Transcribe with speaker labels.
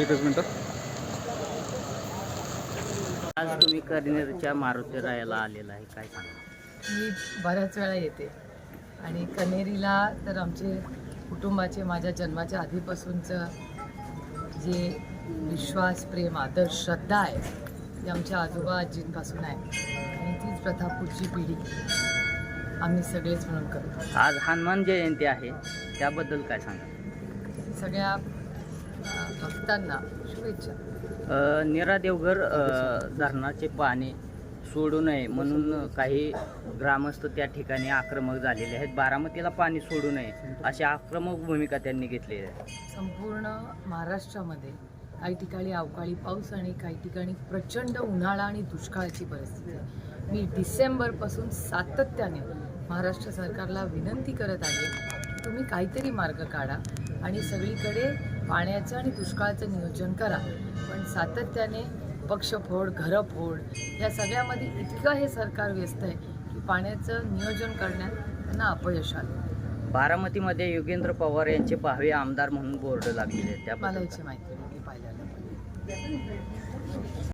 Speaker 1: एकच मिनिट.
Speaker 2: आज तुम्ही कनेरच्या मारुती रायाला आलेला आहे, काय सांगा?
Speaker 3: मी बऱ्याच वेळा येते आणि कनेरीला तर आमचे कुटुंबाचे माझ्या जन्माच्या आधीपासूनचं जे विश्वास, प्रेम, आदर, श्रद्धा आहे ती आमच्या आजोबा आजींपासून आहे आणि तीच प्रथा पुढची पिढी आम्ही सगळेच म्हणून करतो.
Speaker 2: आज हनुमान जयंती आहे, त्याबद्दल काय सांगा?
Speaker 3: सगळ्या भक्तांना शुभेच्छा.
Speaker 2: नीरा देवघर धरणाचे पाणी सोडू नये म्हणून काही ग्रामस्थ त्या ठिकाणी आक्रमक झालेले आहेत. बारामतीला पाणी सोडू नये अशी आक्रमक भूमिका त्यांनी घेतली आहे.
Speaker 3: संपूर्ण महाराष्ट्रामध्ये काही ठिकाणी अवकाळी पाऊस आणि काही ठिकाणी प्रचंड उन्हाळा आणि दुष्काळाची परिस्थिती आहे. मी डिसेंबरपासून सातत्याने महाराष्ट्र सरकारला विनंती करत आहे की तुम्ही काहीतरी मार्ग काढा आणि सगळीकडे पाण्याचं आणि दुष्काळाचं नियोजन करा. पण सातत्याने पक्षफोड, घरफोड या सगळ्यामध्ये इतकं हे सरकार व्यस्त आहे की पाण्याचं नियोजन करण्यात त्यांना अपयश आलं.
Speaker 2: बारामतीमध्ये योगेंद्र पवार यांचे पाहावे आमदार म्हणून बोर्ड लागलेले आहेत,
Speaker 3: मला
Speaker 2: त्याबद्दल
Speaker 3: याची माहिती नाही, मी पाहिलेलं.